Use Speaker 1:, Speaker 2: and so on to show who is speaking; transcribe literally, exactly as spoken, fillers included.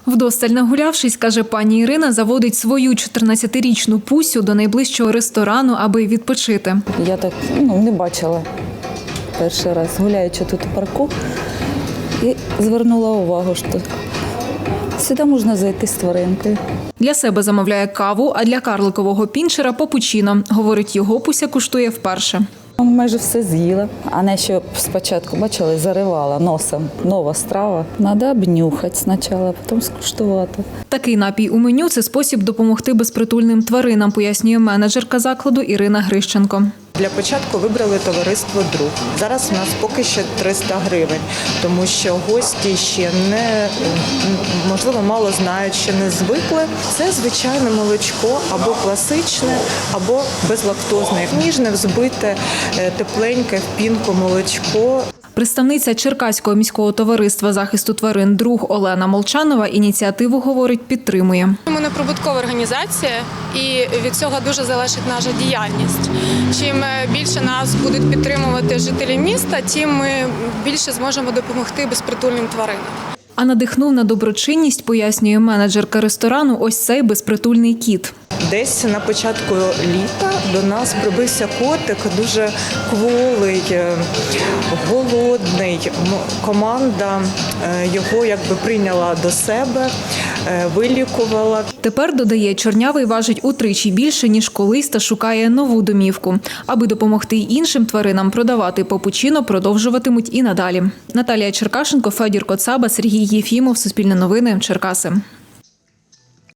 Speaker 1: Вдосталь нагулявшись, каже пані Ірина, заводить свою чотирнадцятирічну Пусю до найближчого ресторану, аби відпочити.
Speaker 2: Я так ну, не бачила перший раз, гуляючи тут у парку, і звернула увагу, що сюди можна зайти з тваринкою.
Speaker 1: Для себе замовляє каву, а для карликового пінчера – попучино. Говорить, його Пуся куштує вперше.
Speaker 2: Майже все з'їла, а не що спочатку, бачили, заривала носом. Нова страва. Треба обнюхати спочатку, а потім скуштувати.
Speaker 1: Такий напій у меню – це спосіб допомогти безпритульним тваринам, пояснює менеджерка закладу Ірина Грищенко.
Speaker 3: Для початку вибрали товариство «Друг». Зараз у нас поки що триста гривень, тому що гості ще не, можливо, мало знають, ще не звикли. Це звичайне молочко або класичне, або безлактозне, ніжне, взбите, тепленьке в пінку молочко.
Speaker 1: Представниця Черкаського міського товариства захисту тварин «Друг» Олена Молчанова ініціативу, говорить, підтримує.
Speaker 4: Ми неприбуткова організація, і від цього дуже залежить наша діяльність. Чим більше нас будуть підтримувати жителі міста, тим ми більше зможемо допомогти безпритульним тваринам.
Speaker 1: А надихнув на доброчинність, пояснює менеджерка ресторану, ось цей безпритульний кіт.
Speaker 3: Десь на початку літа до нас прибився котик, дуже кволий, голодний. Команда його якби прийняла до себе, вилікувала.
Speaker 1: Тепер, додає, чорнявий важить утричі більше, ніж колись, та шукає нову домівку. Аби допомогти й іншим тваринам продавати попучино, продовжуватимуть і надалі. Наталія Черкашенко, Федір Коцаба, Сергій Єфімов, Суспільне новини, Черкаси.